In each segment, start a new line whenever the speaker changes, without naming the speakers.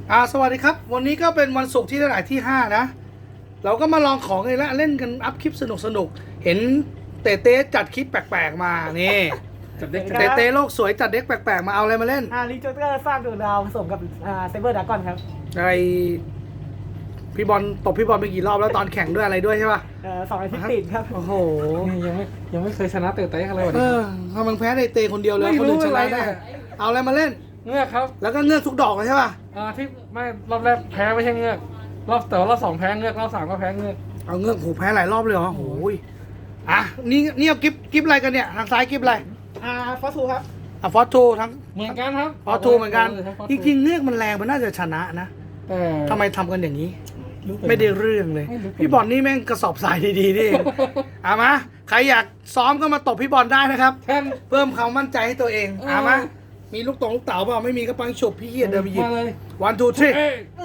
สวัสดีครับวันนี้ก็เป็นวันศุกร์ที่เท่าไหร่ที่5นะเราก็มาลองของเลยละเล่นกันอัพคลิปสนุกเห็นเต้เต้จัดคลิปแปลกๆมานี่
จัดเด็ก
เต้เต้โลกสวยจัดเด็กแปลกๆมาเอาอะไรมาเล่น
รีโจเตอร์สร้างดวงดาวผสมกับเซเบอร์ดากอนครับ
ไอพี่บอลตบพี่บอลไปกี่รอบแล้วตอนแข่งด้วยอะไรด้วยใช่ป่ะ
2 อาทิตย์ติดครับ
โอ้โห
นี่ยังไม่เคยชนะเตะอะไรวะ
ทำไมแพ้เต้เต้คนเดียวเลยคนอื่นชนะได้เอาอะไรมาเล่น
เงือกครับ
แล้วก็เงือกทุกดอกเลยใช่ป่ะ
ที่ไม่รอบแรกแพ้ไม่ใช่เงือกแต่ว่ารอบ2แพ้เงือกรอบ3ก็แพ้เงือก
เอาเงือกแพ้หลายรอบเลยเหรอโอ้ยนี่เอากิฟอะไรกันเนี่ยทางซ้ายกิฟอะไร
ฟอสทูครับ
ฟอสทูทั้ง
เหมือนกันครับ
ฟอสทูเหมือนกันจริงๆเงือกมันแรงมันน่าจะชนะนะ
แต่
ทำไมทำกันอย่างนี้ไม่ได้เรื่องเลยพี่บอลนี่แม่งกระสอบทรายดีๆนี่เองมาใครอยากซ้อมก็มาตบพี่บอลได้นะครับเพิ่มความมั่นใจให้ตัวเองมามีลูกเต๋าเปล่าไม่มีก็ปังฉุบพี่เกียรเดินไปหยิบ1 2 3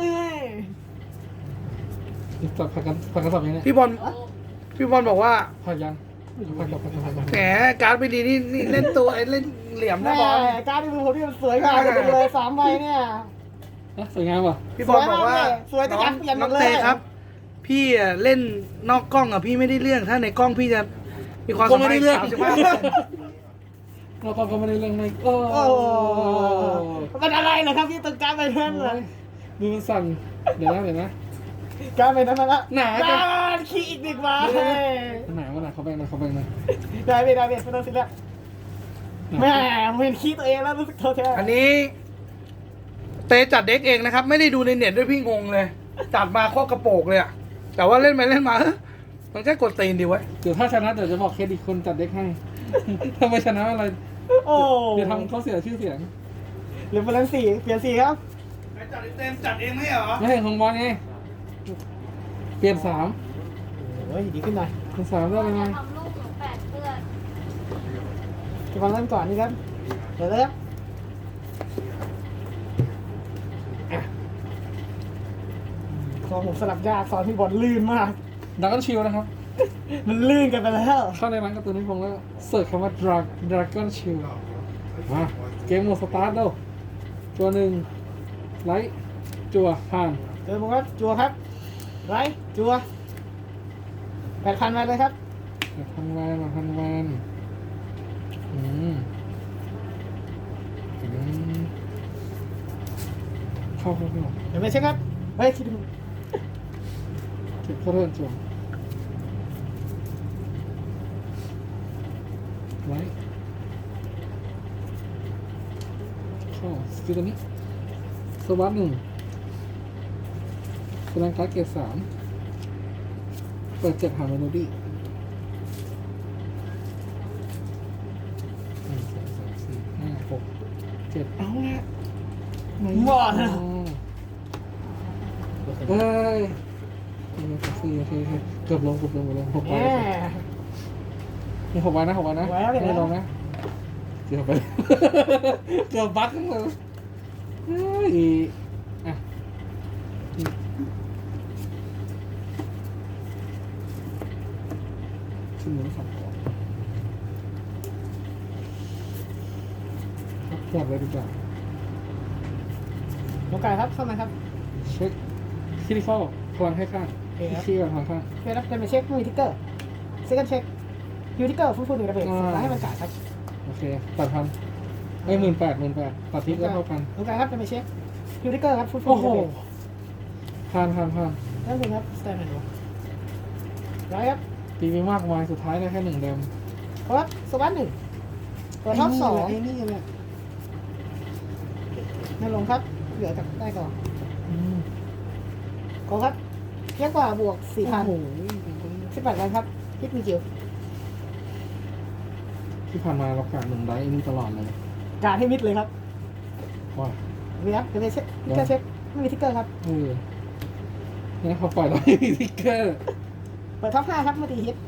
จับผักกระสอบยังไง
พี่บอลบอกว่า
ผักยัง
แหมการ์ดไม่ดีนี่เล่นตัวเล่นเหลี่ยมนะบอล
การ์ดที่ผมที่มันสวยงามกันเลย3 ใบเนี่ย
สวยงามป่ะ
พี่บอลบอกว่า
สวยแต่การเปลี่ยนหมดเลย
น้องเต้ครับพี่เล่นนอกกล้องพี่ไม่ได้เรื่องถ้าในกล้องพี่จะมีความสัมพันธ์
เราก็ไม่ได้เรื่องเลย
โอ้มันอะไรเหรอครับพี่ตึกการไปนั่นเลย
ดูมันสั่นเดี๋ยวนะ
การไปนั่นละ
หนา
การขี้อีก1 ใบ
หนาเขาแบ่งนะ
ได้ไม่ต้องสิแล้วแม่เห็นขี้ตัวเองแล้วรู้สึกโทษแท้
อันนี้เตจัดเด็กเองนะครับไม่ได้ดูในเน็ตด้วยพี่งงเลยจัดมาโคตรกระโปงเลยแต่ว่าเล่นไปเล่นมามันแค่กดตีนดีไว้
เดี๋ยวถ้าชนะเดี๋ยวจะบอกเครดิตคนจัดเด็กให้ถ้าไม่ชนะอะไรเดี๋ยวทำเขาเสียชื่อเสียง
หรือเป็น4 เปลี่ยน4ครับ
จัดเต็มจัดเองไม่เหรอ
ไม่เห็นของบอลไงเปลี่ยน
โอ้ยดีขึ้นหน่อย
เป็น3ได้ไหม
ทำลูกหนู8 เพื่อน
จะฟังเริ่มก่อนนี่ครับเดี๋ยวเลยซองผมสลับยากซองที่บอลลื่นมาก
ดักกันชิลนะครับ
มันลื่นกันไปแล้ว
เข้าในร้านการ์ตูนนิพงศ์แล้วเสิร์ชคำว่าดราก้อนชิลมาเกมโหมดสตาร์ทเด้อตัว1ไลท์จั่วผ่าน
เจอผมครับจัวครับไรจัว8,000มาเลยครับ
8,000 แวนเข้า
เดี๋ยวไม่ใช่ครับเฮ้ยคิดดู
เก็บเข้าเรื่องจั่วไลท์เข้าสกิลตัวนี้สวัสด1แสดงการ์ดเกรด3เปิด7หาเมโลดี้1 2 3 4 5 6 7เอาละ
หมด
เฮ้ยโอเคเกือบลง6 ใบมี6 ใบนะไม่ลงนะเกือบไปเกือบบั๊กเลยขึ้นมือ2 ก่อนแยกเลยดีกว่า
น้องไก่ครับเข้ามาครับ
เช็คคิริฟอลพลังให้ข้างขี้กับพลังข้าง
เดี๋ยวนะเป็นไปเช็คมือทิกเกอร์เซ็กันเช็คยูทิกเกอร์ฟุ้งๆ1 ระเบิดแล้วให้มันจ่ายครับ
โอเค8,00018,000ตัดทิปก็เท่ากัน
น้องไก่ครับเป็นไปเช็คยูทิกเกอร์ครับฟุ้งๆ1
โอ้โห
ระเบิด
ผ่าน
นั่นเองครับสแตนด์ดูไรครับ
ตีไปมากมายสุดท้ายได้แค่1 เดม
ครับสวัสด1เปิดท็อป2
นี่แหละ
ไม่ลงครับเหลือจากได้ก่อนขอครับเยอะกว่าบวก 4,000 18 วันครับฮิตมีจิ๋ว
ที่ผ่านมาเราขาด1 ไดท์นี่ตลอดเลย
การให้มิดเลยครับ
ว้า
นี่ครับเดี๋ยวไปเช็คทิกเกอร์เช็คไม่มีทิกเกอร์ครับ
นี่เขาปล่อยเราไม่มีทิกเกอร์
เปิดท็อป5ครับเมื่อตีฮิต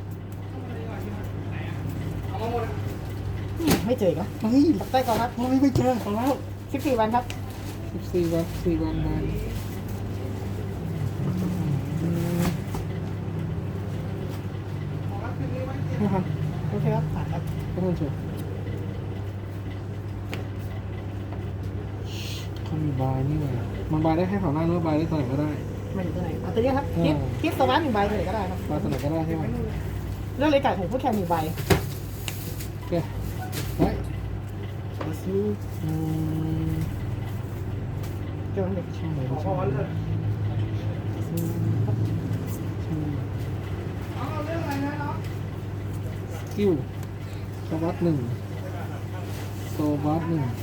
ไม่เจอครับได้ก่อนครับ
ไม่เจอของเรา
14 วันครับ
14 วันมา
โอเคครับผ่านครับ
ก็ต้องจบเขามีบายนี่ไงมันบายได้แค่แถวหน้าหรือว่าบายได้ตัวไหนก็ได้
ไม่อยู่ตัวไหนเอาตัวนี้ครับคิดโซบ้านหนึ่งใบตัวไหนก็ได้ครับ
บายตัวไหนก็ได้ใช่ไหม
เรื่องเลยไก่ผมพูดแค่หนึ่งใบ
โอเคไว้อืม
เกี่ยวกับเด็ก
ใช่เลย
ขอ
ใช่
พรเลย
ใช่
เอาเรื่องอะไรนะเนาะ
สกิลโซบัสหนึ่งโซบัสหนึ่ง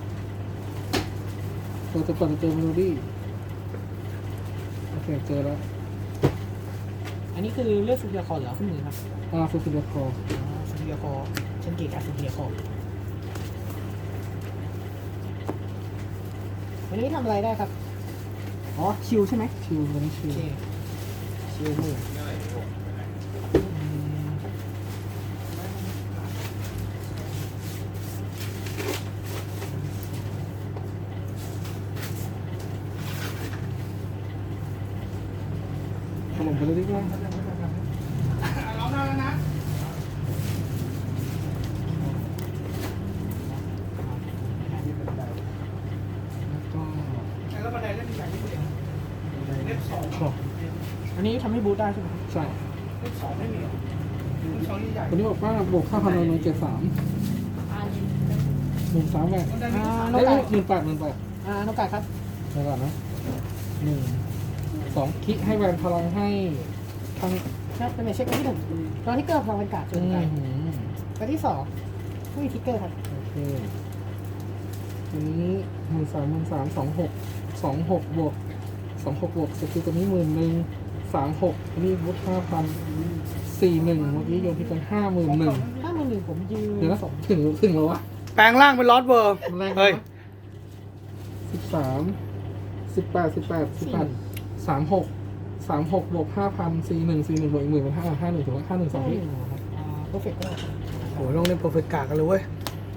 เราจะเปิดเจอเมโลดี้โอเคเจอแล้ว
อันนี้คือเลือกสุดเดียคอเหรอขึ้นมือครับ
ฟูฟิลคอ
สุดเดียคอฉันเก่งกับสุดเดียคอวันนี้ทำอะไรได้ครับอ๋อชิวใช่ไหม
ชิววันนี้ชิ
โอ
ว
เคชิวมือ
ถล่มไปเลยดีกว่า
ร้องได้แล้วนะ
แล้วก็
แล้วบันไดเล่นใหญ่ที่สุดเล่มสอง
ขอบ
อันนี้ทำให้บูทได้ใช่ไหม
ใช่
เล่มสองไม่มีเหรอเล่มสองใหญ่
วันนี้บอกว่าบวกค่าพันนเจ็ดสามหนึ่งสามแหวน
บันได
อ่า
ไม่
น้องไก่
หมื่นแปดหมื่นแปด
น้องไก่ครับ
เดี๋ยวก่อนนะหนึ่งสองคิดให้แวนพลังให้ทั้ง
ครับเป็นเช็คที่หนึ่งตอนที่เกิดพลังเป็นกาดจนไก่ตัวที่สองไม่มีทิกเกอร์ครับ
โอเคอันนี้หมื่นสามสองหกบวกสกิลตัวนี้11,000 36อันนี้วุฒิ5,041เมื่อกี้โยนที่กัน51,000
ถ้ามือหนึ่งผมยืน
เดี๋ยวนะถึงแล้ววะ
แปลงร่างเป็นลอสเวอร์
มันแรง
เฮ้ย
36บวก5,041บวกอีก10,000เป็น51ถึงว่า51 2ที่
เพอร์เฟกต์ก็
โหลงเล่นโปรเฟกกากันเลยเว้ย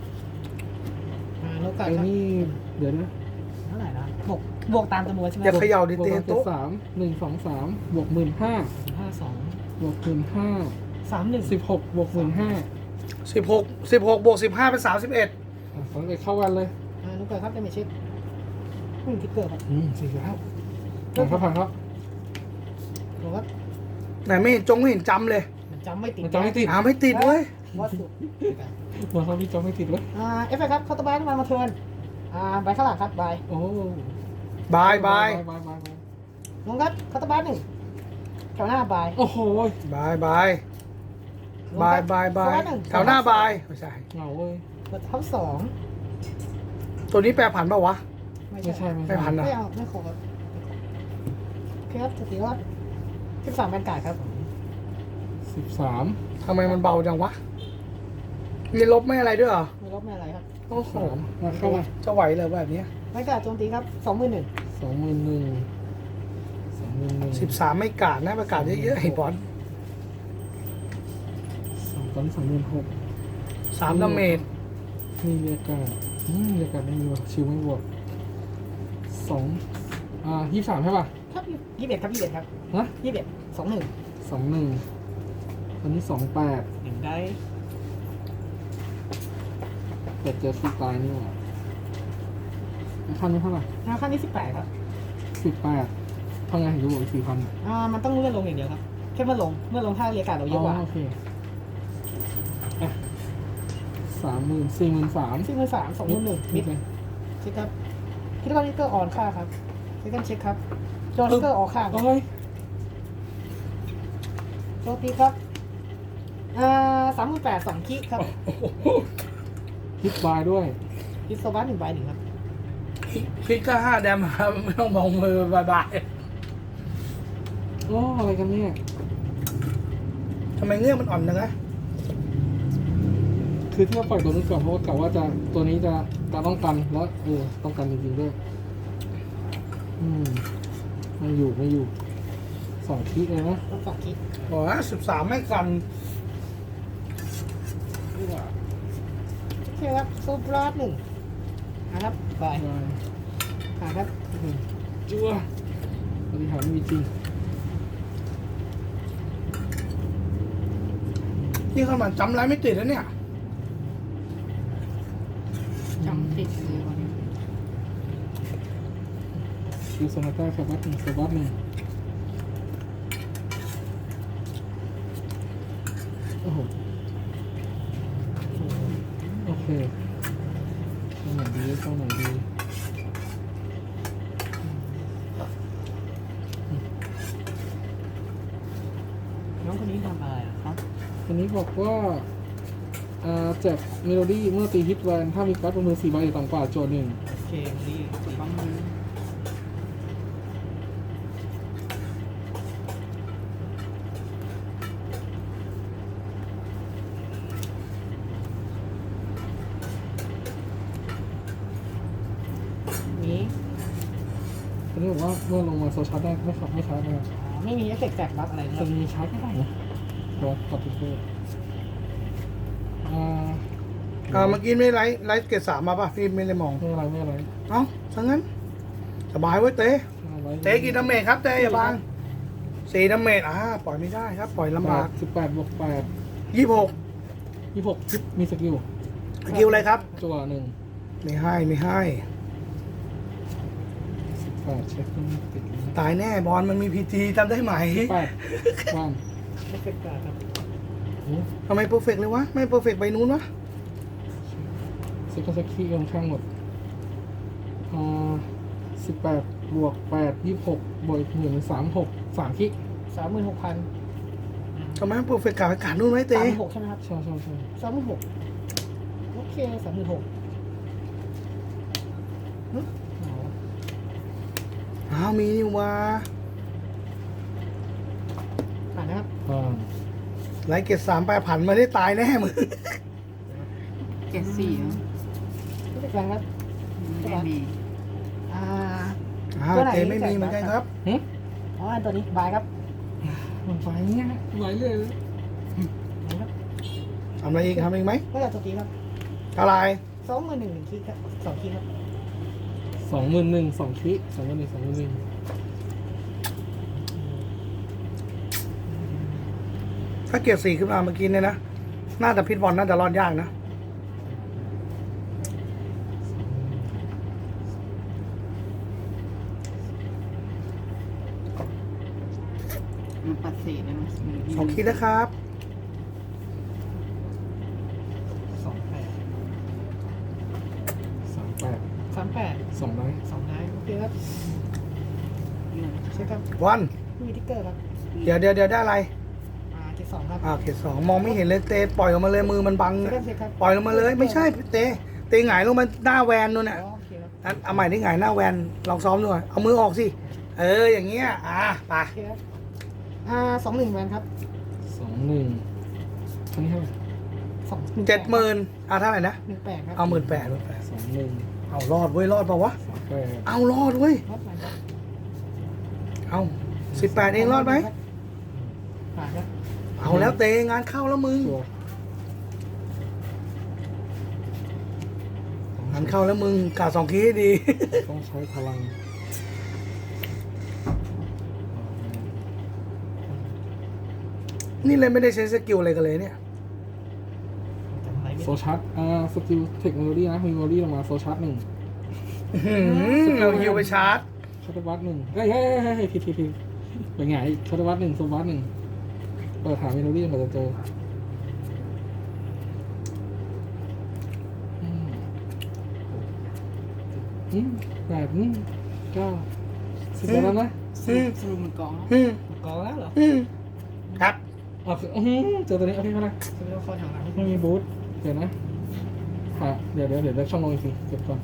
น้องไก่
ไอ้
ครับ
นี่เดี๋ยวนะ
เท่าไหร่นะบวกตามจำนวนใช่ไหม
อย่าเขย่าดิ
บวก
เตีย
มา
โต๊ะ
73 123บวก15,000
52
บวก15,000
31
16บวก15,000
16บวก15เป็น31
สองเลยเข้าวันเลย
น้องไก่ครับได้ไหมเช็คไม่มีทิกเกอร์ครับ
สี่แล้วผ่านครับ
บอกว่า
ไหนไม่เห็นไม่เห็นจำเลย
มันจำไม่ติด
มันจำไม่ติด
ไม่ติดเว้ย
วัดสุด
มันเขาพี่จำไม่ติดเลย
เอฟเฟกต์ครับคาร์ตบายมาเทิร์นใบข้างหลังครับใบ
โอ้
บายบาย
น้องครับคาร์ตบายหนึ่งแถวหน้าใบ
โอ้โห
บายบายบายบายบายแถวหน้าบายไม่ใช่
เหงาเว้ย
กดท็อปสอง
ตัวนี้แปลผันเปล่าวะ
ไม่
ไม่
ใช่
ใช่
ไม่พัน
ไม่เอาไม่ขอโอเคครับสติว่า13เป็นกาดครับ
13
ทำไมมันเบาจังวะมีลบไม่อะไรด้วยเหรอ
ไม่ลบไม่อะไรครับ
โอ้โห
มาเข้ามา
จะไหวเลยแบบนี้
ไม่กาดโจมตีครับ21,000
21,000
13ไม่กาดนะประกาศเยอะๆไอ้บอล
ตอนนี้26,000
3ดาเมจ
มีเรียกการเรียกการไม่มีว่ะชิวไม่บวก23ใช่ป่ะ
ครับ21ครับ21ครับ
ฮะ
21 21
21ตอนนี้28
หนึ่งได้
แต่เจอฟรีตายนี่หว่าขั้นนี้เท่าไหร่
ขั้นที่18ครับ
18ทำไงถึงจะบวกอีก4,000
มันต้องเลื่อนลงอย่างเดียวครับแค่เมื่อลงถ้าเรียกการเราเยอะกว่า
โอเคอ่ะ43,000
43,000 21,000มิด
เลย
เช็คครับคิดว่านิกเกอร์ออนค่าครับเช็คกันเช็คครับโจนิกเกอร์ออกค่าครับ
โอ้ย
โจตีครับ38,000 2คิครับ
ฮิตบายด้วย
ฮิตโซบัส1ใบ1ครับ
พลิกก็5แดมครับไม่ต้องมองมือบายบาย
โอ้อะไรกันเนี่ย
ทำไมเงื่อนมันอ่อนจังนะ
คือที่เราปล่อยตัวนี้ก่อนเพราะว่ากะว่าจะตัวนี้จะต้องกันแล้วต้องกันจริงๆด้วยไม่อยู่2คิเลยนะ
ต้องฝากคิด
โอ้ย13ไม่กัน
โอเคครับโซบรัส1นะครับไป
บาย
ครับ
จั่วปฏิหารไม่มีจริง
นี่เข้ามาจำไรไม่ติดแล้วเนี่ย
จำติดเลยวันนี้
คิวโซนาต้าครับบัตหนึ่งสบัตหนึ่งโอ้โหโอเคเข้าหน่อยดีเข้าหน่อยดี
น้องคนนี้ทำอะไรครับ
วันนี้บอกว่าแจกเมโลดี้เมื่อตีฮิตแวนถ้ามีการ์ดบนมือ4ใบต่ำกว่าโจทย์หนึ่ง
โอเคดีสีบ้างมือนี้
วันนี้บอกว่าเมื่อลงมาโซชาร์จได้ไม่ขับไม่ชาร์จนะครับ
ไม่มีเอฟเฟกต์แจกบัฟอะไรนะค
จะ
รับ
มีชาร์จก็ได้นะตัวกดติดตัวอ่า
เมื่อกี้ไม่ไลฟ์เกรด3มาป่ะพี่ไม่ได้มอง
ไม่อะไรไม่อะไร
เอ้าซะงั้นสบายไว้ยเต้เต้กี่ดาเมจครับเต้อย่าบัง4ดาเมจปล่อยไม่ได้ครับ ปล่อยลำบาก
18บวก8
26
26มีสกิล
สกิลอะไรครับ
จั่วหนึ่ง
ไม่ให้ไม่ให้
18เช็คไม่ติดเลย
ตายแน่บอลมันมีพีจีจำได้ไหม
8วัน
เอฟเฟกต์ครับ
ทำไมเพอร์เฟกเลยวะ ไม่เพอร์เฟกใบนู้นวะ
เซ็กซ์คีค่อนข้างหมด18บวก8 26บวก1 36 3คิ
36,000
ทำไมเพอร์เฟกกับอากาศนู้นไว้เต้
36,000ใช่ไหมครับ
ใช่ใช่ใช่
36,000โอเค36,000
มีนี่วะ
ผ่านนะครับ
ไลฟ์เกรด3ไปผันมาได้ตายแน่มึง
74อ่ะ
ไม่เป็นไรครับ
ไม่มี
ตัวไหน
เต้ไม่มีเหมือนกันครับ
อ๋ออันตัวนี้บายครับ
มันไปเนี่ยไหลเลย
นะครับ
ทำอะไรอีกทำอีกไหม
ก็จะตัวนี้ครับ
อะไร
21,000คีครับ2คีครับ
21,000 2คิ21,000
ถ้าเกรด4ขึ้นมาเมื่อกี้เนี่ยนะ น่าจะพิทบอลน่าจะรอดยากนะ
มันปัดเศษนะมัน
2 คิดนะครับ
38
2
2นายโอเคครับใช่ครับ
วัน
มีทิกเกอร์ครับ
เดี๋ยวได้อะไร
เกต2ครับ
เกรด2มองไม่เห็นเลยเตะปล่อยออกมาเลยมือมันบัง
เช็
นะ
คครับเช็คครับ
ปล่อยลงมาเลยไม่ใช่เตะหงายลงมาหน้าแวนนู่นน่ะ
โอเคครับ
เอาใหม่ที่หงายหน้าแวนลองซ้อมด้วยเอามือออกสิอย่างเงี้ยไป
โอเคครับ21แวนครับ
21อันนี้เท่าไหร่
70,000เท่าไหร่นะ
18ครับ
เอา18,000
21
เอารอดเว้ยรอดเปล่าวะ
38
เอารอดเว้ย
รถไหนครับ
เอา18เองรอดไหม
ผ่านครับ
เอาแล้วเตะงานเข้าแล้วมึง
ตัว
งานเข้าแล้วมึงกาด2 คีให้ดี
ต้องใช้พลัง
นี่เลยไม่ได้ใช้สกิลอะไรกันเลยเนี่ย
จำอะไรไม่
โซชาร์จสกิลเทคโนโลยีนะมีเมโลดี้ลงมาโซชาร์จ1
เราฮิวไปชาร์จ
ชัตเตอร์วัต1เฮ้ยผิดเป็นไงชัตเตอร์วัต1โซวัต1เปิดหาเมโลดี้มันจะเจอ8 9 10แล้วนะ
สรุปมันกองแล้ว
กองแล้วเหรอ
ครับ
เจอตัวนี้โอเคก็ได้
ซื้อแล้วคอแถวหลัง
ไม่มีบูทเดี๋ยวนะเดี๋ยวเลือกช่องลงอีกทีเก็บก่อน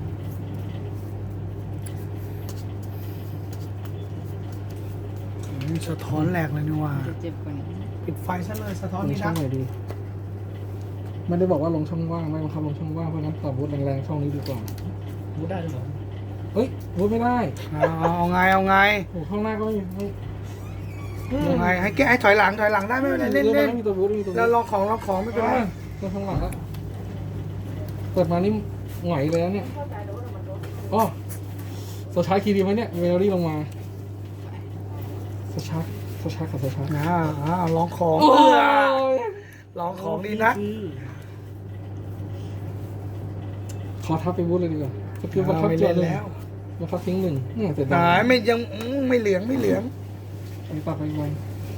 สะท้อนแหลกเลยนี่ว่า
จะเจ็บกว่านี้
ปิดไฟซะเลยสะท้อน
ลง
นี่
ช่อ
นะ
งไหนดีไม่ได้บอกว่าลงช่องว่างไม่บังคับลงช่องว่างเพราะงั้นต่อบูทแรงๆช่องนี้ดีกว่า
บูได้หรือเปล่า
เฮ้ยบูทไม่ได้
เอาไง
โอ้ข้างหน้าก็ไม่
เอาไงให้แกให้ถอยหลังได้ไม่เป็นไรเล่น
ไม่มีตัวบูทไม่มีตัวบู
แล้ว
ท
ลองของไม่เป็นไร
ตัวข้างหลังแล้วเปิดมานี่หงอยเลยนะเนี่ยอ๋อโซชาร์จคีย์ดีไหมเนี่ยเมโลดี้ลงมาโซชาร์จกับโซชาร์จ
ลองของลองของดีนะ
ขอทับไปบูทเลยดีกว่าสกิลบังคับ
ไม่
เจอ
เล่น
เลย
แล้ว
แล้วเขาทิ้งหนึ่งเนี่ยเสร็จ
หายไม่ยังไม่เหลืองไม่เหลือง
อันนี้ตัดไปไว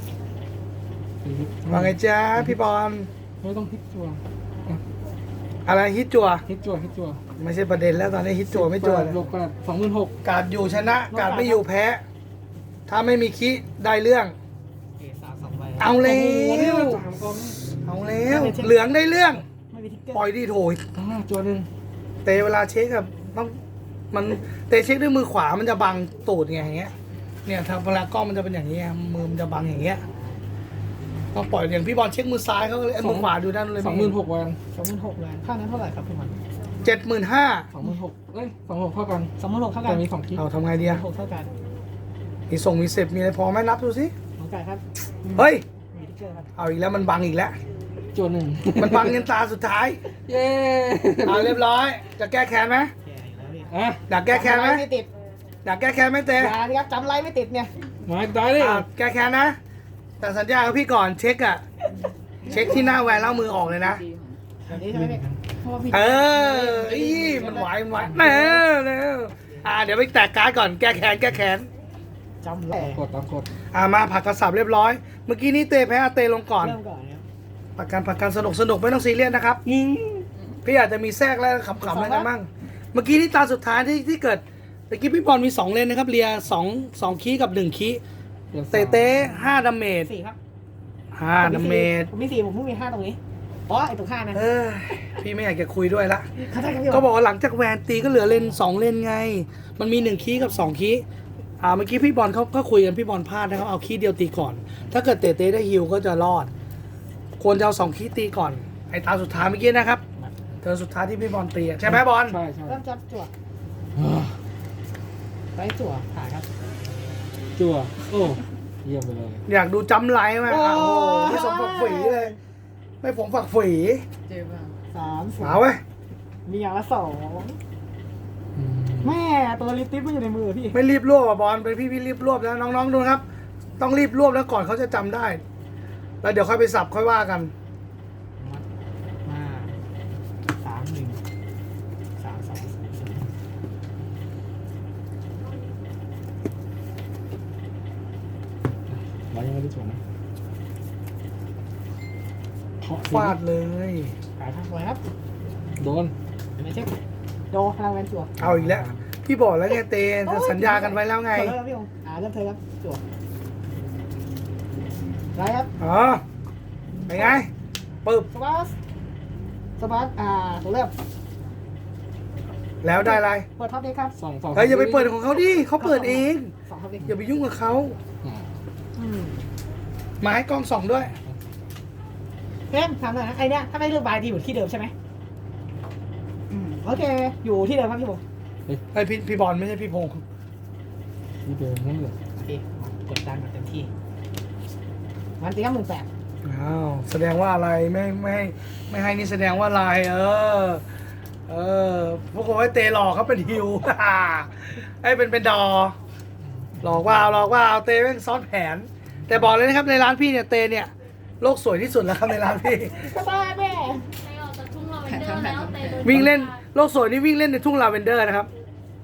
ว่าไงจ๊ะพี่บอล
ไม่ต้องฮิตจัวอ่ะ
อะไรฮิตจัว
ฮิตจัวฮิตจัว
ไม่ใช่ประเด็นแล้วตอนนี้ฮิตจัวไม่จัวเลย
ลบกัน26,000
การอยู่ชนะการไม่อยู่แพ้ ถ้าไม่มีคิได้เรื่อง
เกสามสองใบ
เอาแล้
โอ้โหนี่
ว
มัน3กอง
เอาแล้วเหลืองได้เรื่อง
ไม่มีทิกเกอร์
ปล่อยดีโถย
จัวหนึ่ง
เตะเวลาเช็คอะต้องมันเตะเช็คด้วยมือขวามันจะบังตูดไงอย่างเงี้ยเนี่ยทางเวลากล้องมันจะเป็นอย่างเงี้ยมือมันจะบังอย่างเงี้ยต้องปล่อยอย่างพี่บอลเช็คมือซ้ายเขาเลยมือขวาดูด้านเลย
26,000
26,000แวนค่านั้นเท่าไหร่ครับพี่มัน
75,000
26,000เอ้ย26,000เท่ากัน
26,000เท่ากั
แต่
น
มี2คลิป
เอาทำไงดีอะ
6เท่ากัน
มีส่งมีเสพมีอะไรพอไหมนับดูสิ
ของไก่ครับ
เฮ้ย
มีทิกเกอร์ครับ
เอาอีกแล้วมันบังอีกแล้ว
จัวหนึ่ง
มันบังเงินตาสุดท้าย
เย้
เอาเรียบร้อย จะแก้แค้นไหม
แก่อยู่แล้วพี่
อ่ะ
อยากแก้แค้นไหม
จำอะไรไม่ติด
อยากแก้แค้นไหมเต้
อย่าดิครับจำไรไม่ติดเนี่ย
มาได้เลย
แก้แค้นนะ แต่สัญญากับพี่ก่อนเช็คอะเช็คที่หน้าแหวนแล้วมือออกเลยนะ
แบบนี้ใช่ไหมพี่
เพราะว่าพี่
เอออีมันไหวมันไหวเร็วเดี๋ยวไปแตกการ์ดก่อนแก้แค้นแก้แค้น
จำแหล
กดตามกด
มาผักกระสับเรียบร้อย เมื่อกี้นี้เตะแพ้เตะลงก่อน
เริ่มก่อนเนี่ย
ผักกันสนุกไม่ต้องซีเรียสนะครับพี่อาจจะมีแทรกแล้วขำๆอะไรกันบ้างเมื่อกี้นี่ตาสุดท้ายที่เกิดเมื่อกี้พี่บอลมี2เลนนะครับเรีย2คีย์กับ1คีย์เตะ5ดาเมจ
4ครับ
5ดาเมจ
ผมมี4ผมเพิ่งมี5ตรงนี้อ๋อไอ้ตรง5นะ
พี่ไม่อยากจะคุยด้วยละ
เข้าใจครับพี่
ก็บอกว่าหลังจากแวนตีก็เหลือเลน2เลนไง มันมี1คีย์กับ2คีย์เมื่อกี้พี่บอลเขาก็คุยกันพี่บอลพลาดนะครับเอาคีย์เดียวตีก่อน ถ้าเกิดเตะได้ฮิวก็จะรอด ควรจะเอา2คีย์ตีก่อนไอ้ตาสุดท้ายเมื่อกี้นะครับเธอสุดท้ายที่พี่บอลตีใช่ไหมบอล
ใช่ใช่
เริ่มจับจั่วไปจั่วผ่านครับ
จัวโอ้เยี่ยมไปเลย
อยากดูจำไลน์ไหม
โอ้
โอ้โหไม่สมฝักฝีเลย ไม่ผมฝักฝี
เจ็บอ่ะ
3
เอาเว้ย
มีอย่างละ2แม่ตัวลิปติปมันอยู่ในมือพี่
ไม่รีบรวบอ่ะบอลเป็นพี่รีบรวบแล้วน้องๆดูนะครับ ต้องรีบรวบแล้วก่อนเขาจะจำได้ แล้วเดี๋ยวค่อยไปสับค่อยว่ากัน
มา3-1 3-2
เรายังไม่ได้จัวนะเคาะ
ฟาดเลย
ขายทั้งเลยครับ
โดน
ไม่เช็คโดพลังแวนจั่ว
เอาอีกแล้ว พี่บอกแล้วไงเตนจะสัญญากันไว้แล้วไง
เริ่มพี่องเริ่มเธอครับจั่วไรครับ
อ๋อเป็นไงปึ๊บ
สปาร์สตัวเริ่ม
แล้วได้อะไร
เปิดท็อปเด็กครับ
สอง
เฮ้ยอย่าไปเปิดของเขาดิเขาเปิดเอง
2ท็อปเด็ก
อย่าไปยุ่งกับเขา
อืม
มาให้กล้องส่องด้วย
เพิ่มถามหน่อยนะไอเนี้ยถ้าไม่เลือกบายดีอยู่ที่เดิมใช่ไหมโอเคอยู่ที่เดิมครับพี่ผม
ไอพี่บอลไม่ใช่พี่พงศ์
นี่เดิมนั่นเลย
โอเคกดดันเต็มที่มันตีครับ18,000
อ้าวแสดงว่าอะไรไม่ให้นี่แสดงว่าอะไรพวกผมไอ้เตหลอกเขาเป็นฮิว ไอ้เป็นดอหลอกว่าเอาเตแม่งซ้อนแผน แต่บอกเลยนะครับในร้านพี่เนี่ยเตเนี่ยโลกสวยที่สุดแล้วครับในร้านพี่
ก็บ้าแม่
ไปออกจากทุ่งลาเวนเดอร์แล้วไปโดน
วิ่งเล่นโลกสวยนี่วิ่งเล่นในทุ่งลาเวนเดอร์นะครับ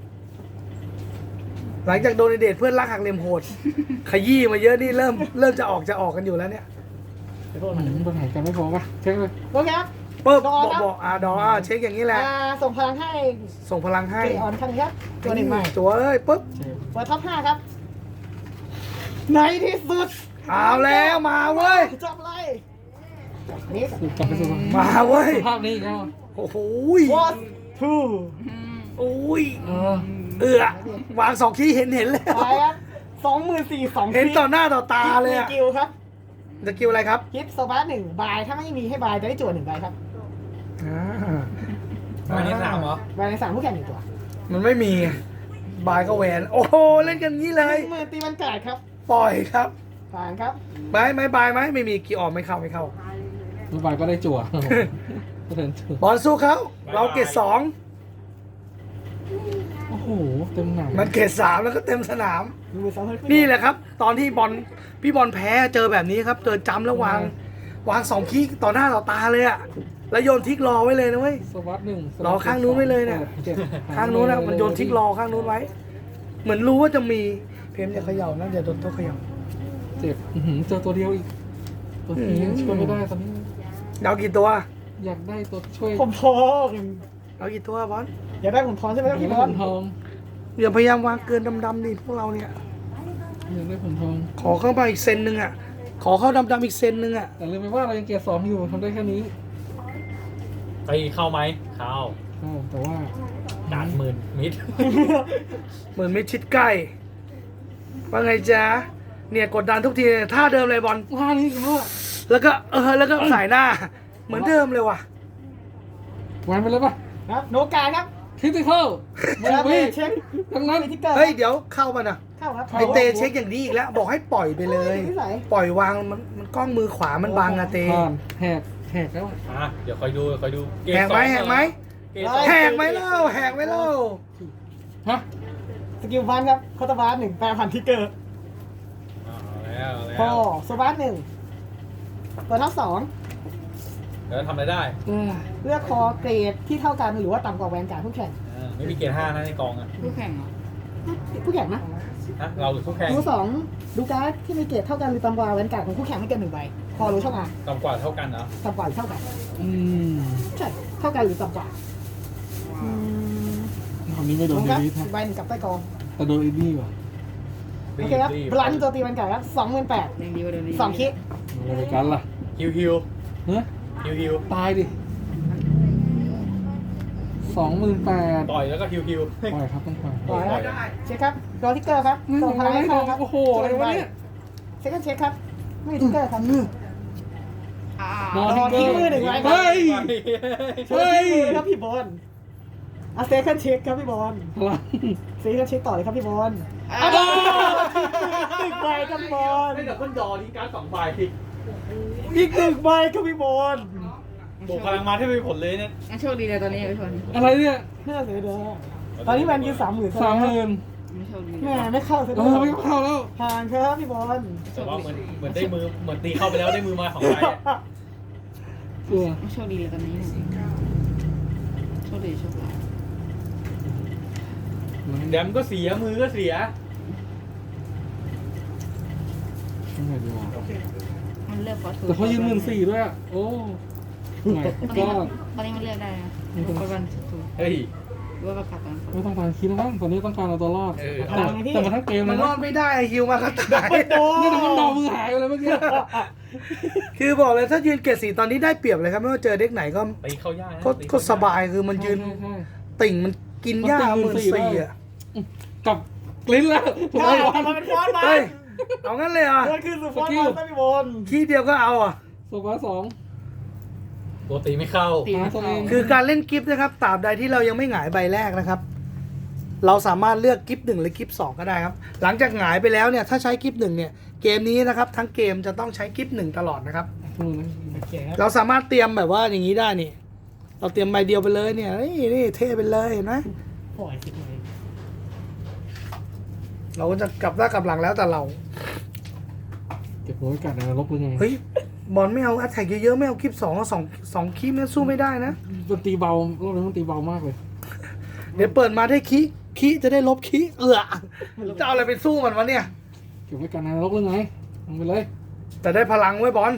หลังจากโดนเดทเพื่อนรักหักเหลี่ยมโหด ขยี้มาเยอะนี่เริ่มจะออกกันอยู่แล้วเนี่ย
เดี๋ยวโทษ
มั
มัน
นปัญหากันไม่พอป่ะเช็คเลย
โอเคครับ
ปึ๊บ
ดอครับ
บอกดอเช็คอย่างนี้แหละ
ส่งพลังให้
ส่งพลังให้
เกออนครั้งนี้ครับตัวหนึ่งใหม่
ตัวเอ้ยปึ๊บ
เช็ค
เปิดท็อป5ครับในที่สุด
เอาแล้วมาเว้ย
จับเลยนี่
สุดกลับไปสู่
มาเว้ย
ภาพนี้ก็
โอ้โห
was two
โอ้ย
เออ
วาง2ขี้เห็นเลย
ไปครับ24,000
เห็นต่อหน้าต่อตาเลยอะ
กิลครับ
จะกิวอะไรครับ
คิดโซบาร์1บายถ้าไม่มีให้บายจะได้จั่ว1ใบครับ
วันนี้3เหรอ
บายใน3ผู้แข่ง1ตัว
มันไม่มีบายก็แหวน โอ้โหเล่นกันงี้เลย
มือตีมันกาดครับ
ปล่อยครับ
ผ่านครับ
บายไหมบายไหมไม่มีกี่ออกไม่เข้า
เมื่อวานก็ได้จั่วก็เดินจั่ว
บอลสู้เขาเราเกรด2
โอ้โหเต็มหนัง
มันเกรด3แล้วก็เต็มสนาม
มือซ้ำ
นี่แหละครับ ตอนที่พี่บอลแพ้เจอแบบนี้ครับ เจอจำแล้ววาง2ขี้ต่อหน้าต่อตาเลยอะแล้วโยนทิกรอไว้เลยนะเว้ย
สวัสด1
รอข้างนู้นไว้เลยเนี่ย
จ็ด
ข้างนู้นนะมันโยนทิกรอข้างนู้นไว้เหมือนรู้ว่าจะมีเพมจะเขย่านะอย่าโดนโต๊ะเขย่า
เจ็บเจอตัวเดียวอีก ตัวนี้ยังช่วยไม่ได้ตอนนี้
เอากี่ตัว
อยากได้ตัวช่วย
ผมทอง
เอากี่ตัวบอล
อยากได้ผมทองใช่ไหมครับ
อยาก
พี่
ได้
บอ
ผ
ล
มทอง
อย่าพยายามวางเกินดำๆดิพวกเราเนี่ย
อยากได้ผมทอง
ขอเข้ามาอีกเซนนึงอ่ะ ขอเข้าดำๆอีกเซนนึงอ่ะ
แต่ลืมไปว่าเรายังเกียร์2อยู่ทำได้แค่นี้
ตีเข้าไหมเข้า
แต่ว่า
ด่านหมื่นมิด
เหมือนไม่ชิดใกล้ ว่าไงจ๊ะ เนี่ยกดดันทุกทีท่าเดิมเลยบอล
ว่านี่ก็
แล้วก็แล้วก็สายหน้า เหมือนเดิมเลยว่ะ
วางไปเลยป่ะ
ครับโนกาครับ
คริติคอลไม่
แล้ว
วิ่ง
เช็ค
ทั้งนั้น
ทิกเกอร์
เฮ้ยเดี๋ยวเข้ามานะ
เข้าครับ
ไอเตเช็คอย่างนี้อีกแล้ว บอกให้ปล่อยไปเลย
นิสัย
ปล่อยวางมันกล้องมือขวามันบังอะเต
ผ่านแหกแล้ว
อ่ะเดี๋ยวคอยดูเก
แหกไหม
สอง
แหกไหม
เกมสอง
แหกไหมเล่าแหกไหมเล่า
ฮะ
สกิลฟันครับคอตบาร์1แปลพันทิกเกอร์
เอาแล้ว
พอโซบาร์1ตัวทับ2
แล้วทำอะไรได้
เลือกคอเกรดที่เท่ากันหรือว่าต่ำกว่าแวนการ์ดผู้แข่ง
ไม่มีเกณฑ์5นะในกองอ่ะ
คู่แข่งเหรอ
ผู้แข่งนะ
ฮะเราหรือคู่แข่ง
ดู2ดูการ์ดที่มีเกรดเท่ากันหรือต่ำกว่าแวนการ์ดของคู่แข่งไม่เกิน1ใบพอรู้ช่องอ่ะ
ต่ำกว่าเท่ากันเหรอ
ต่ำกว่าหรือเท่ากัน ใช่ เท่ากันหรือต่ำกว่าอืม
คำนี้ไม่โดน
ผม
เด
ครับ
วิด
ใบหนึ่งกับใต้กอง
แต่โดนอินนี่ว่ะ
โอเคครับบลันตัวตีแวนการ์ดครับ28,000
ยังดีกว่าเดิมนี้
2คิด
อะไรกันล่ะ
ฮิว
เฮ้ย
ฮิว
ตายดิ28,000
ต่อยแล้วก็ฮิว
ปล่อยครับต้องปล่อย
ปล่อยครับเช็คครับรอทิกเกอร์ครับ
นี่
ส่งพลังให้
ไม่โด
เข้าน ครับ
โอ้โหอะไรวะเนี่ย
เช็คกันเช็คครับ ไม่มีทิกเกอร์ครับ
อ่า
นอน
รอทิ้งมือหนึ่งไว้ครับ
เฮ้ย
เฮ้ยครับพี่บอลอ่ะเซคันเช็คครับพี่บอล
พลัง
เซคันเช็คต่อเลยครับพี่บอล
อ่า
ตึกใบครับบอล
ให้ดับเบิลดอทิ้งการ์ด2ใบ
อีก1ใบครับพี่บอล
บวกพลังมาที่มีผลเลยเนี่ย
งั้นโชคดีเลยตอนนี้พี่ชน
อะไรเนี่ย
น่าเสียดายตอนนี้แวนยืน30,000
30,000
ไม่โชคดี
แม่ไม่เข้าเสีย
เอ
ดา
อย ไม่เข้าแล้ว
ผ่านครับพี่บอล
แต่ว่าเหมือนได้มือเหมือนตีเข้าไปแล้วได้มือมา2ใบอะ
เออ
ไม่โชคดีเลยตอนนี้โชคดีโชคร้าย
แดมก็เสียมือก็เสีย
ทำไงดีวะ
มันเลือกฟอสทู
แต่เขายืน14,000ด้วยอะโอ้ไม่ก็
ตอนนี้มันเลือกได้นะฟอสวันถูก
เฮ้ย
หรือว่าประกาศตอน
ไม่ต้องการคิดแล้วมั้งตอนนี้ต้องการเอาตัวรอด
เออ
แต่มาทั้งเกม
มั
เล
น
ย
รอ
นะ
ดไม่ได้ฮิวมาก็ตาย
โด
นี่แต่มันดาวมือหายไปเลยเมื่อกี้
คือบอกเลยถ้ายืนเกรดสีตอนนี้ได้เปรียบเลยครับไม่ว่าเจอเด็กไหนก็
ตีเข้ายากนะ
ก็สบายคือมันยืน
ใช่
ติ่งมันกินหญ้า
มันติ่ง
14,000อ่ะ
กับกลิ้นแล้ว
ใช่ทำมาเป็นฟอนต์มา
เฮ้ยเอางั้นเลยเหรอ่ะ
มันคือสุดฟอนต์มาครับพี่บอล
ขี้เดียวก็เอาอ่ะ
โซบาสอง
ตัวตีไม่เข้า
ตีไม่เข้า
คือการเล่นกิฟต์นะครับตราบใดที่เรายังไม่หงายใบแรกนะครับ เราสามารถเลือกกิฟต์1หรือกิฟต์2ก็ได้ครับ หลังจากหงายไปแล้วเนี่ยถ้าใช้กิฟต์1เนี่ยเกมนี้นะครับทั้งเกมจะต้องใช้กิฟต์1ตลอดนะครับ
โอเคครับ
เราสามารถเตรียมแบบว่าอย่างนี้ได้นี่ เราเตรียมใบเดียวไปเลยเนี่ยนี่เท่ไปเลยเห็นไหม
ปล่อยสิบเลย
เราก็จะกลับหน้ากลับหลังแล้วแต่เรา
เก็บหัวไว้กัดในนรกหรือไง
เฮ้ยบอลไม่เอาอัตแทกเยอะๆไม่เอากิฟต์สองคีมันสู้ไม่ได้นะ
มันตีเบารอบนี้มันตีเบามากเลย
เดี๋ยวเปิดมาได้คีจะได้ลบคีจะเอาอะไรไปสู้มันวะเนี่ย
เก็บไว้กัดในนรกหรือไงลงไปเลย
แต่ได้พลังไว้บอล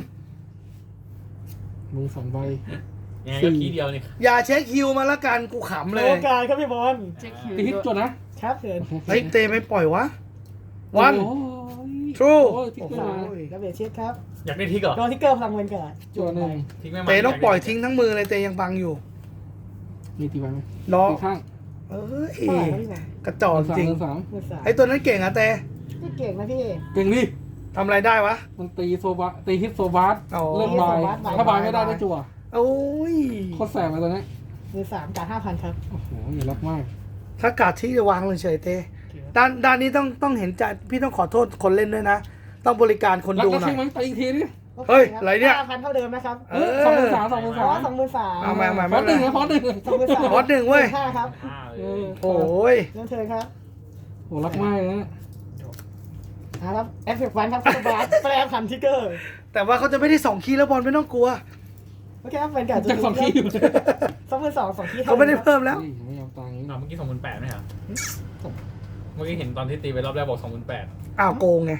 มือ2ใบ
ยังไงก็คีย์เดียวนี่
อย่าเช็คฮิวมาละกันกูขำเล
โอย กาสครับพี่บอล
เช็คคิว
ตีฮิตจดนะครับ
เชิญ
เฮ้ยเตไม่ปล่อยวะวัน
โอ้ย
True
โอ้ยทิ้งขึ้นมา
ดับเบิลเช็คครับ
อยากได้ทิกเหรอ
โดนทิกเกอร์พลังเวนเกิด
จดหนึ่ง
ทิ้งไม่มา
เตต้องปล่อยทิ้งทั้งมือเลยเตยังบังอยู่
มีตีใบไหม
รอ
ตีข้าง
เอ้ย
เท่าไหร่ครับพี่บอล
กระจอกจริง
สาม
มือสาม
ไอ้ตัวนั้นเก่งอะเต
ไม่เก่งนะพี่
เก่งดิ
ทำอะไรได้วะ
มันตีโซบาตีฮิตโซบาส
อ๋อ
เริ่มบายถ้าบายไม่ได้ได้จั่ว
โอ้ย
โคตรแสบเลยตอนนี้
มือสามการ5,000ครับ
โอ้โหอย่ารักมาก
ถ้ากาดที่จะวางเลยเฉยเตด้านนี้ต้องเห็นใจพี่ต้องขอโทษคนเล่นด้วยนะ ต้องบริการคน
รัก
ดู
ก็
หน่
ใช่
อย
ไหมตีอีกทีนี่
เฮ้ยอะไรเนี่ย
5,000เท่าเดิมนะครับ
เออ
สองหมื่นสาม
อ๋อ23,000
เอามา
ฟอสหนึ่งนะฟอสหนึ่ง
23,000
วอดหนึ่งเว้ย
5ครับ
อ่า
เอ
เลย
อ
โอ้ย
เริ่มเทิร์นครับ
โหรักมากเลยนะ
ครับเอฟเฟกต์วันครับคุณบาสแปลพันทิกเกอร์
แต่ว่าเขาจะไม่ได้2คีย์แล้วบอลไม่ต้องกลัว
โอเคครับเป็นการ
จากสองคีย์อยู่เลย
22,000 2คีย์
เขาไม่ได้เพิ่มแล้ว
เฮ้ยไม่ยอมตังค์
เมื่อกี้28,000ไหมเหรอมื่อกี้เห็นตอนที่ตีไปรอบแรกบอก 28,000
อ้าวโกงไง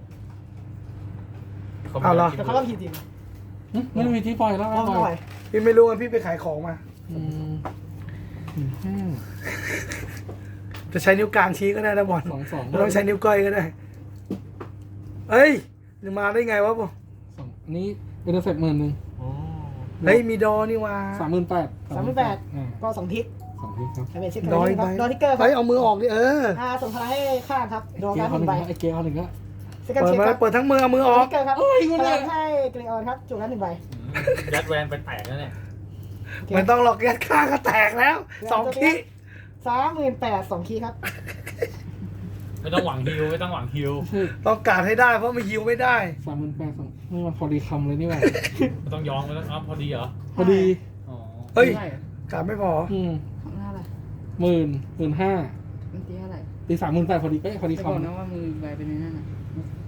เขา
เอาเหรอ
แต่เขาก็ผิดจริง
ไม่ได้มีที่ปล่อยแล้ว
เพราะ
ป
เขาป
ล่
ล่
อ
อย ย
พี่ไม่รู้ว่าพี่ไปขายของมา
อืม15
จะใช้นิ้วกลางชี้ก็ได้นะบอล
2
ไม่ต้องใช้นิ้วก้อยก็ได้ เอ้ยจะมาได้ไงวะบอล
อันนี้เป็นเสร็จ10,000
อ๋อ
เฮ้ยมีดอนี่วะ
38,000
38ก็2ทิศ
2 ทิศครับ
ใช้เป็นเช็ค
ดอย
ค
ไป
รับดอทิกเกอร์ครั
เฮ้ยเอามือออกดิ
ส่งพลังให้ข้างครับดอ
เกีย
การ์
ร์
ด
เขา
1
หนึ่ง
ใบ
ไอ้เกียร์เขาหนึ่งก็
เซคัน
เปิด
เช็ค
มา
ครับ
เปิดทั้งมือเอามือออก
ทิกเกอร์ครับ
เอ้ยคุณ
พ
เนี่
ลั
ย
งให้เกรออนครับจุดละ1 ใบ
ยัดแวนไปแตกแล้วเนี่ย
ไม่ต้องหลอกยัดข้างก็แตกแล้วสองขี้
38,000 2 คีย์ครับ
ไม่ต้องหวังฮิวไม่ต้องหวังฮิว
ต้องการให้ได้เพราะมันยิวไม่ได้
38,000นี่มันพอดีคำเลยนี่หว่า
ไม่ต้องย้องไม่ต้องพอดีเหรอ
พอดี
อ๋อ
เฮ้ย
เท่าไหร่
การไม่พอ
ของหน้าอะไร
15,000
มันตีเท่าไหร่
ตี38,000พอดีเป๊ะพอดี
จะบอกนะ
คำ
ว่ามือใบเป็นในนั่นน่ะ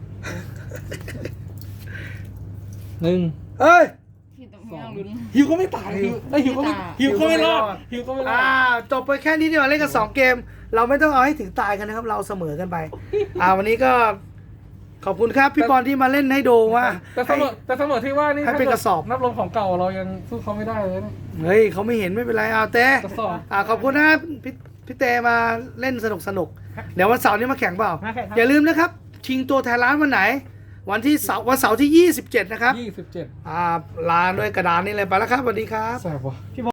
1
เอ้ย
พี่ต้องไม่เอาลุ้น
ฮิวก็ไม่ตายฮิวก็ไม่ฮิวก็ไม่รอดฮิวก็ไม่รอด
จบไปแค่นี้ดีกว่าเล่นกัน2 เกม เราไม่ต้องเอาให้ถึงตายกันนะครับ เราเสมอกันไป วันนี้ก็ขอบคุณครับพี่บอลที่มาเล่นให้ดูว่า
แต่เสมอที่ว่านี่
ให้เป็นกระสอบ
นับรวมของเก่าเรายังสู้เขาไม่ได้เลยนะ
เฮ้ยเขาไม่เห็นไม่เป็นไรเอาเต้
กระสอบ
ขอบคุณนะพี่เตมาเล่นสนุกเดี๋ยววันเสาร์นี้มาแข่งเปล่า
มาแข่งครับ
อย่าลืมนะครับ ชิงตัวแทนร้านวันไหน วันเสาร์ที่ 27 นะครับ
27
ลาด้วยกระดานนี้เลยไปแล้วครับสวัสดีครับ
แสบว่ะ